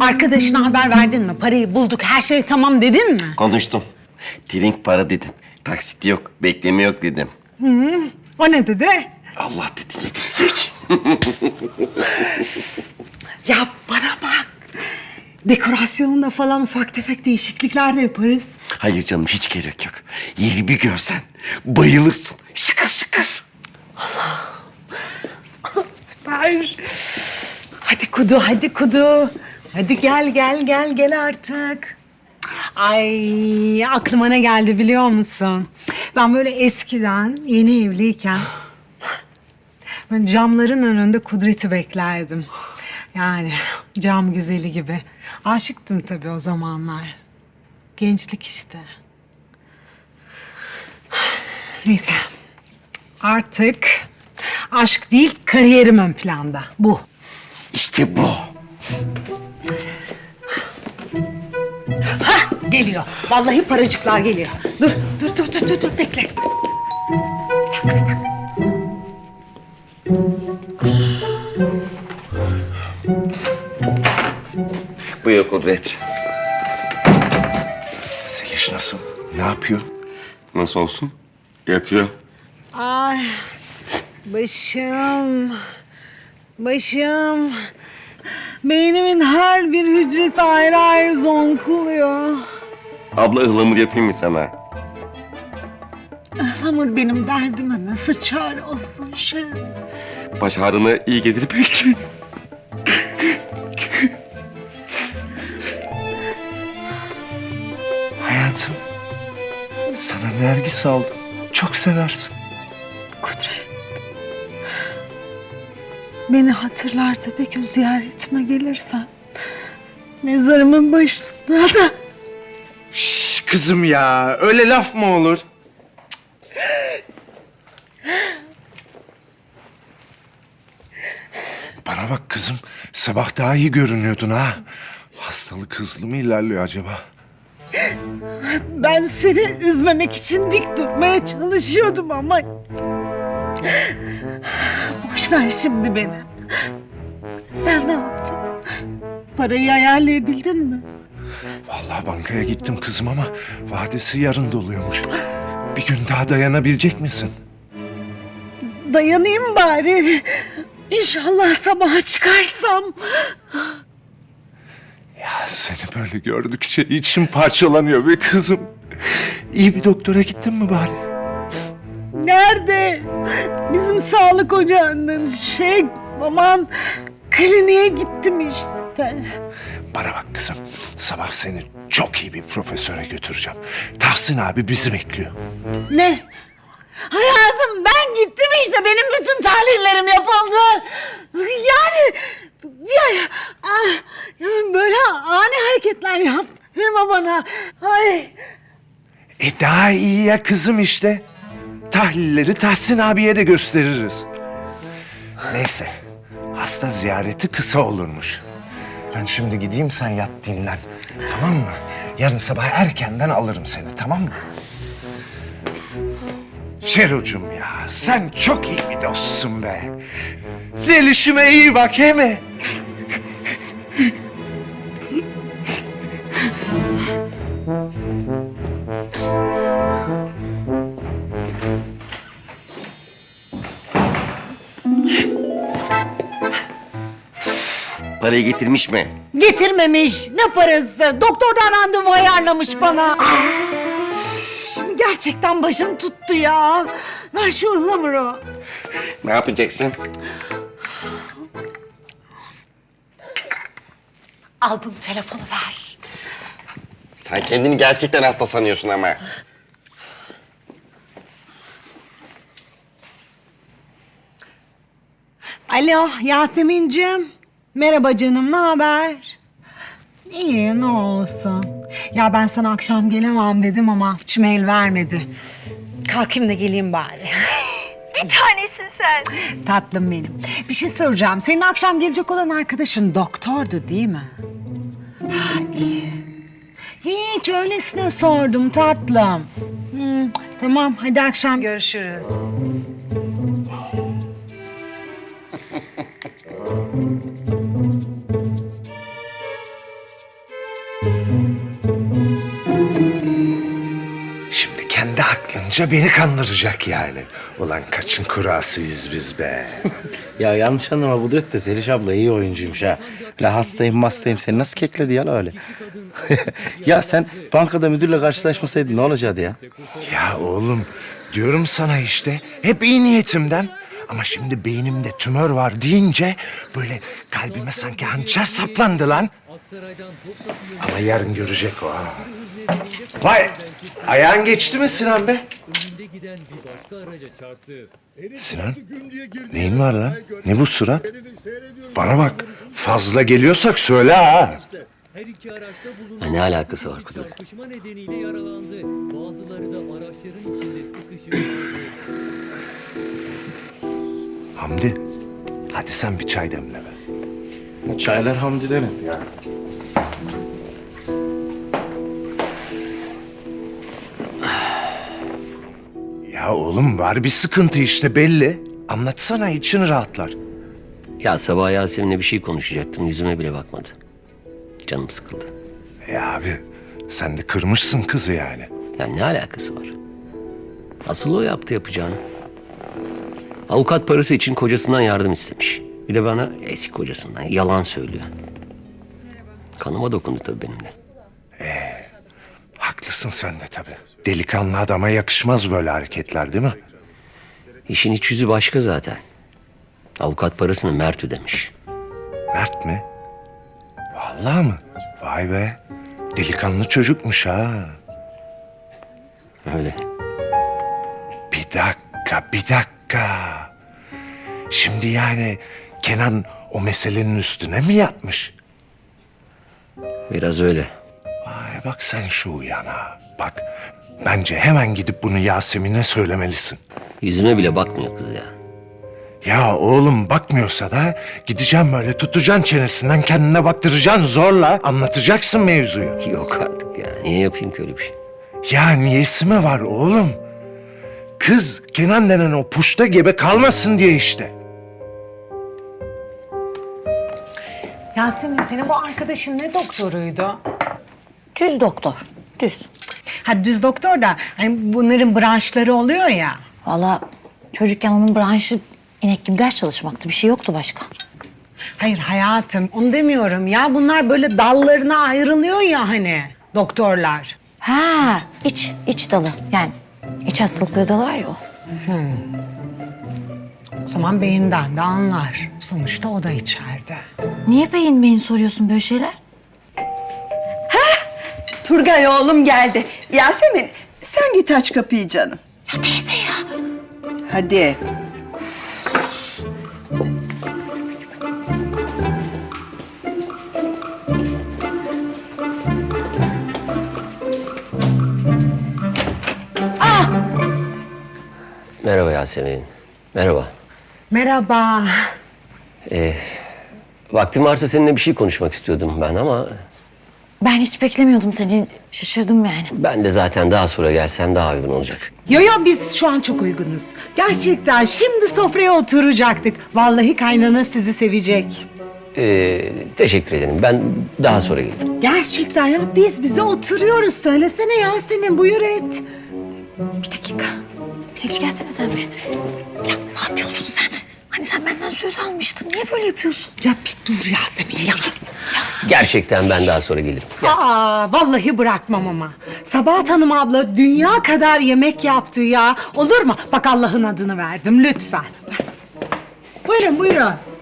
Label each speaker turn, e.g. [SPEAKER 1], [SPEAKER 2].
[SPEAKER 1] Arkadaşına haber verdin mi? Parayı bulduk, her şey tamam dedin mi?
[SPEAKER 2] Konuştum. Trink para dedim. Taksit yok, bekleme yok dedim.
[SPEAKER 1] O ne dedi?
[SPEAKER 2] Allah dedi yetişecek.
[SPEAKER 1] Ya bana bak. Dekorasyonunda falan ufak tefek değişiklikler de yaparız.
[SPEAKER 2] Hayır canım hiç gerek yok. Yeri bir görsen bayılırsın. Şıkır şıkır.
[SPEAKER 1] Süper. Hadi Kudu, hadi Kudu. Hadi gel artık. Ay aklıma ne geldi biliyor musun? Ben böyle eskiden yeni evliyken böyle camların önünde Kudret'i beklerdim. Yani cam güzeli gibi. Aşıktım tabii o zamanlar. Gençlik işte. Neyse. Artık aşk değil kariyerim ön planda. Bu.
[SPEAKER 2] İşte bu.
[SPEAKER 1] Hah geliyor. Vallahi paracıklar geliyor. Dur bekle. Bir dakika.
[SPEAKER 2] Buyur Kudret.
[SPEAKER 3] Zeliş nasıl? Ne yapıyor?
[SPEAKER 2] Nasıl olsun? Yatıyor.
[SPEAKER 1] Ay başım. Beynimin her bir hücresi ayrı ayrı zonkluyor.
[SPEAKER 2] Abla ıhlamur yapayım mı sana?
[SPEAKER 1] Hamur benim derdime nasıl çare olsun şey.
[SPEAKER 2] Baş ağrına iyi gelir belki.
[SPEAKER 3] Hayatım, sana nergis aldım. Çok seversin.
[SPEAKER 1] Kudret. Beni hatırlar da bir gün ziyaretime gelirsen. Mezarımın başında da.
[SPEAKER 3] Şş, kızım ya, öyle laf mı olur? Bana bak kızım, sabah daha iyi görünüyordun ha. Hastalık hızlı mı ilerliyor acaba?
[SPEAKER 1] Ben seni üzmemek için dik durmaya çalışıyordum ama... Boş ver şimdi beni. Sen ne yaptın? Parayı ayarlayabildin mi?
[SPEAKER 3] Vallahi bankaya gittim kızım ama vadesi yarın doluyormuş. Bir gün daha dayanabilecek misin?
[SPEAKER 1] Dayanayım bari. İnşallah sabaha çıkarsam.
[SPEAKER 3] Ya seni böyle gördükçe içim parçalanıyor be kızım. İyi bir doktora gittin mi bari?
[SPEAKER 1] Nerede? Bizim sağlık ocağının aman kliniğe gittim işte.
[SPEAKER 3] Bana bak kızım, sabah seni çok iyi bir profesöre götüreceğim. Tahsin abi bizi bekliyor.
[SPEAKER 1] Ne? Hayatım ben gittim işte benim bütün tahlillerim yapıldı. Yani böyle ani hareketler yaptırma bana. Ay.
[SPEAKER 3] Daha iyi ya kızım işte. Tahlilleri Tahsin abiye de gösteririz. Neyse, hasta ziyareti kısa olurmuş. Ben şimdi gideyim, sen yat dinlen. Tamam mı? Yarın sabah erkenden alırım seni, tamam mı? Şerucum ya, sen çok iyi bir dostsun be. Zelişime iyi bak, he mi?
[SPEAKER 2] Parayı getirmiş mi?
[SPEAKER 1] Getirmemiş. Ne parası? Doktordan randevu ayarlamış bana. Şimdi gerçekten başım tuttu ya. Ver şu ıhlamuru.
[SPEAKER 2] Ne yapacaksın?
[SPEAKER 1] Al bunu telefonu ver.
[SPEAKER 2] Sen kendini gerçekten hasta sanıyorsun ama.
[SPEAKER 1] Alo Yasemin'cim. Merhaba canım, ne haber? İyi, ne olsun. Ya ben sana akşam gelemem dedim ama içim el vermedi. Kalkayım da geleyim bari.
[SPEAKER 4] Bir tanesin sen.
[SPEAKER 1] Tatlım benim. Bir şey soracağım. Senin akşam gelecek olan arkadaşın doktordu değil mi? Ha, iyi. Hiç öylesine sordum tatlım. Tamam, hadi akşam görüşürüz.
[SPEAKER 3] Anca beni kandıracak yani. Ulan kaçın kurasıyız biz be.
[SPEAKER 5] Ya yanlış anlama Kudret de Zeliş abla iyi oyuncuymuş ha. La hastayım seni nasıl kekledi ya la öyle? Ya sen bankada müdürle karşılaşmasaydın ne olacaktı ya?
[SPEAKER 3] Ya oğlum diyorum sana işte hep iyi niyetimden. Ama şimdi beynimde tümör var deyince böyle kalbime sanki hançer saplandı lan. Ama yarın görecek o ha. Vay ayağın geçti mi Sinan be? Sinan neyin var lan? Ne bu surat? Bana bak fazla geliyorsak söyle ha.
[SPEAKER 6] Ne alakası var Kudret?
[SPEAKER 7] Çarpışma nedeniyle yaralandı. Bazıları da araçların içinde sıkışıp
[SPEAKER 3] Hamdi hadi sen bir çay demle be.
[SPEAKER 5] Çaylar Hamdi'den hep ya.
[SPEAKER 3] Ya oğlum var bir sıkıntı işte belli. Anlatsana için rahatlar.
[SPEAKER 6] Ya sabah Yasemin'le bir şey konuşacaktım. Yüzüme bile bakmadı. Canım sıkıldı.
[SPEAKER 3] Abi sen de kırmışsın kızı yani.
[SPEAKER 6] Ya ne alakası var? Asıl o yaptı yapacağını. Avukat parası için kocasından yardım istemiş. Bir de bana eski kocasından yalan söylüyor. Kanıma dokundu tabii benim de.
[SPEAKER 3] Haklısın sen de tabii. Delikanlı adama yakışmaz böyle hareketler değil mi?
[SPEAKER 6] İşin iç yüzü başka zaten. Avukat parasını Mert ödemiş.
[SPEAKER 3] Mert mi? Vallahi mı? Vay be. Delikanlı çocukmuş ha.
[SPEAKER 6] Öyle.
[SPEAKER 3] Bir dakika. Şimdi yani Kenan o meselenin üstüne mi yatmış?
[SPEAKER 6] Biraz öyle.
[SPEAKER 3] Vay bak sen şu uyana. Bak bence hemen gidip bunu Yasemin'e söylemelisin.
[SPEAKER 6] Yüzüme bile bakmıyor kız ya.
[SPEAKER 3] Ya oğlum bakmıyorsa da gideceğim böyle tutacaksın çenesinden kendine baktıracaksın zorla anlatacaksın mevzuyu.
[SPEAKER 6] Yok artık ya. Niye yapayım ki öyle bir şey?
[SPEAKER 3] Ya niyesi mi var oğlum? Kız Kenan denen o puşta gebe kalmasın diye işte.
[SPEAKER 1] Yasemin senin bu arkadaşın ne doktoruydu?
[SPEAKER 8] Düz doktor, düz.
[SPEAKER 1] Ha düz doktor da hani bunların branşları oluyor ya.
[SPEAKER 8] Valla çocukken onun branşı inek gibi ders çalışmaktı. Bir şey yoktu başka.
[SPEAKER 1] Hayır hayatım onu demiyorum ya. Bunlar böyle dallarına ayrılıyor ya hani doktorlar.
[SPEAKER 8] Ha, iç dalı. Yani iç hastalıkları dalı var ya o.
[SPEAKER 1] O zaman beyinden de anlar. Sonuçta o da içeride.
[SPEAKER 8] Niye beyin soruyorsun böyle şeyler?
[SPEAKER 9] Turgay oğlum geldi. Yasemin sen git aç kapıyı canım.
[SPEAKER 8] Ya teyze ya.
[SPEAKER 9] Hadi.
[SPEAKER 6] Merhaba Yasemin. Merhaba.
[SPEAKER 1] Merhaba.
[SPEAKER 6] Vaktin varsa seninle bir şey konuşmak istiyordum ben ama...
[SPEAKER 8] Ben hiç beklemiyordum seni. Şaşırdım yani.
[SPEAKER 6] Ben de zaten daha sonra gelsem daha uygun olacak.
[SPEAKER 1] Yo biz şu an çok uygunuz. Gerçekten şimdi sofraya oturacaktık. Vallahi kaynana sizi sevecek.
[SPEAKER 6] Teşekkür ederim. Ben daha sonra gelirim.
[SPEAKER 1] Gerçekten ya biz bize oturuyoruz. Söylesene Yasemin buyur et.
[SPEAKER 8] Bir dakika. Zeliş gelsene sen bir. Ya ne yapıyorsun sen? Hani sen benden söz almıştın. Niye böyle yapıyorsun?
[SPEAKER 1] Ya bir dur Yasemin ya.
[SPEAKER 6] Gerçekten ben daha sonra gelirim.
[SPEAKER 1] Aa, vallahi bırakmam ama. Sabahat Hanım abla dünya kadar yemek yaptı ya. Olur mu? Bak Allah'ın adını verdim lütfen. Buyurun buyurun.